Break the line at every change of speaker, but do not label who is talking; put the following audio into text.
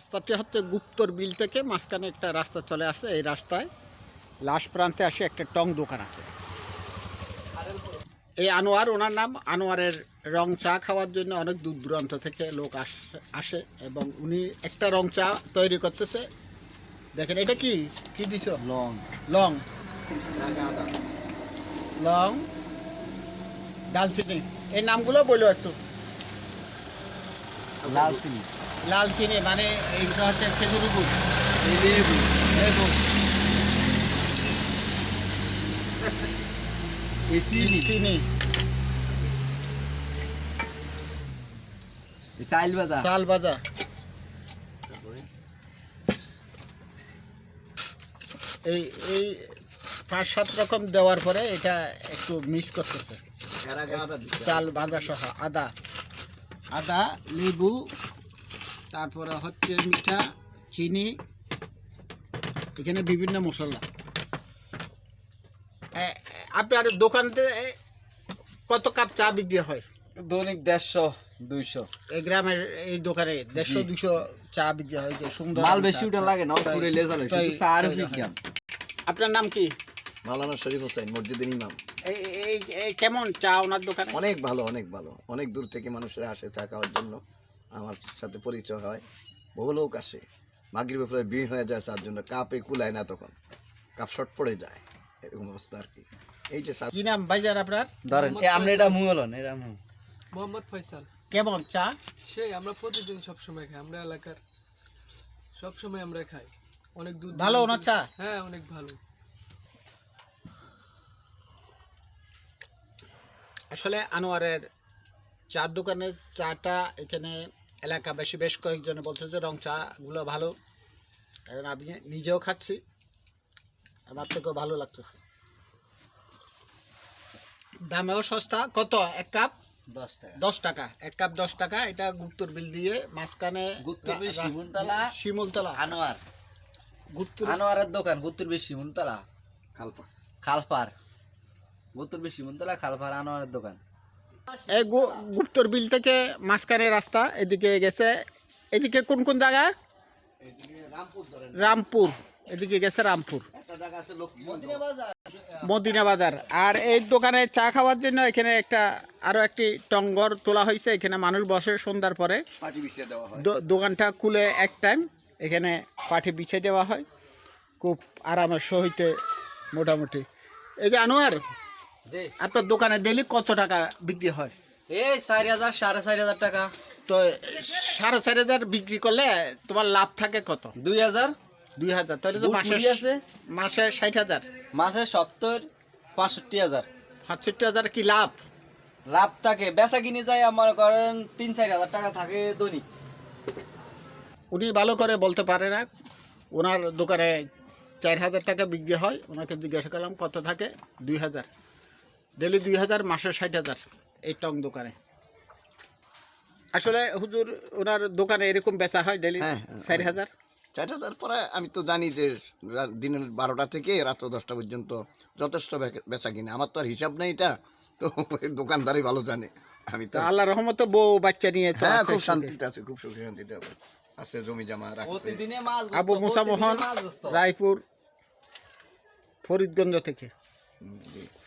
রাস্তাটি হচ্ছে গুপ্তর বিল থেকে মাঝখানে একটা রাস্তা চলে আসে। এই রাস্তায় লাস্ট প্রান্তে আসে একটা টং দোকান আছে। এই আনোয়ার, ওনার নাম আনোয়ারের রং চা খাওয়ার জন্য অনেক দূর দূরান্ত থেকে লোক আসে এবং উনি একটা রং চা তৈরি করতেছে। দেখেন এটা কি কি দিছ?
লং
লং, লং, ডালচিনি। এই নামগুলো বলো একটু।
লাল চিনি
লাল চিনি মানে এইটা হচ্ছে খেজুরি গুড়,
লেবু
লেবু,
চিনি
চিনি,
চাল ভাজা
চাল ভাজা। এই এই 5-7 রকম দেওয়ার পরে এটা একটু মিক্স করতেছে। চাল ভাজা সহ আদা, আদা, লেবু, তারপরে হচ্ছে মিঠা, চিনি, এখানে বিভিন্ন মশলা। আপনার দোকানতে কত কাপ চা বিক্রি হয়?
দৈনিক 150-200
এই গ্রামের এই দোকানে 150-200 চা বিক্রি হয়। যে সুন্দর
মাল বেশি ওটা লাগে না, পুরো লেজালে শুধু চা আর বিজ্ঞান।
আপনার নাম কি?
মাওলানা শরীফ হোসেন, মসজিদের ইমাম।
এই এই এই কেমন চা ওনার দোকানে?
অনেক ভালো, অনেক ভালো। অনেক দূর থেকে মানুষেরা আসে চা খাওয়ার জন্য। আমার সাথে পরিচয় হয়, বহু লোক আসে। মাগরিবের পরে ভিড় হয়ে যায় চার জন্য, কাপে কুলায় না, তখন কাপ শর্ট পড়ে যায়, এরকম অবস্থা আর কি। এই যে
কি নাম ভাইজান আপনার?
ধরেন আপনি এটা মুহলন, এটা মুহ
মোহাম্মদ ফয়সাল।
কেমন চা?
সেই আমরা প্রতিদিন সবসময় খাই, আমরা এলাকার সবসময় আমরা খাই। অনেক দূর
ভালো
দূরান্ত-
ওনার চা?
হ্যাঁ, অনেক ভালো।
আসলে আনোয়ারের চার দোকানের চাটা এখানে এলাকাবাসী বেশ কয়েকজনে বলছে যে রং চাগুলো ভালো। এখন আমি নিজেও খাচ্ছি, আমার থেকেও ভালো লাগতেছে। দামেও সস্তা। কত এক কাপ?
10 টাকা
10 টাকা। এক কাপ 10 টাকা। এটা গুপ্তর বিল দিয়ে মাঝখানে
গুপ্তরবিল শিমুলতলা
শিমুলতলা
আনোয়ার,
গুপ্তর
আনোয়ারের দোকান গুপ্তরবিল শিমুলতলা
খালপা।
খালপার, গুপ্তরবিল শিমুলতলা খালপার আনোয়ারের দোকান।
এই গুপ্তর বিল থেকে মাঝখানে রাস্তা এদিকে গেছে। এদিকে কোন কোন জায়গা?
রামপুর ধরেন,
রামপুর। এদিকে গেছে রামপুর,
একটা জায়গা আছে লক্ষ্মী
মদিনা বাজার। আর এই দোকানে চা খাওয়ার জন্য এখানে একটা আরও একটি টঙ্গর তোলা হয়েছে। এখানে মানুষ বসে সন্ধ্যার পরে।
পাটি বিছিয়ে দেওয়া হয়।
দোকানটা খুলে এক টাইম এখানে পাঠে বিছিয়ে দেওয়া হয় খুব আরামের সহিতে মোটামুটি। এই যে আনোয়ার,
জি
আপনার দোকানে ডেলি কত টাকা বিক্রি হয়?
এই 4000 4500 টাকা।
তো 4,500 বিক্রি করলে তোমার লাভ থাকে কত?
2000
2,000। তাহলে তো
বুট
মাসে
মুড়ি আছে?
মাসে 60,000,
মাসে 70-65,000
65,000 কি লাভ?
লাভ থাকে। বেচা কিনে যায় আমার করেন 3-4 হাজার টাকা থাকে দৈনিক।
উনি ভালো করে বলতে পারে না। ওনার দোকানে 4,000 টাকা বিক্রি হয়। ওনাকে জিজ্ঞাসা করলাম কত থাকে? 2,000। ডেলি 2,000, মাসে 60,000 এই টং দোকানে। আসলে হুজুর ওনার দোকানে এরকম বেচা হয় ডেলি
হ্যাঁ,
4,000।
4,000 পরে আমি তো জানি যে দিনের 12টা থেকে রাত্র 10টা পর্যন্ত যথেষ্ট বেচা কিনে। আমার তো আর হিসাব নেই এটা, তো দোকানদারই ভালো জানে। আমি তো
তা আল্লাহ রহমতে বউ বাচ্চা নিয়ে তো
হ্যাঁ,
আছে
খুব
সুখে।
শান্তিতে আছে, খুব সুখে শান্তিতে আছে। জমি জমা রাখছে।
প্রতিদিনে মাছ বসতো,
আবু মুসা মোহন,
প্রতিদিনে মাছ বসতো।
রায়পুর, ফরিদগঞ্জ থেকে।
জি।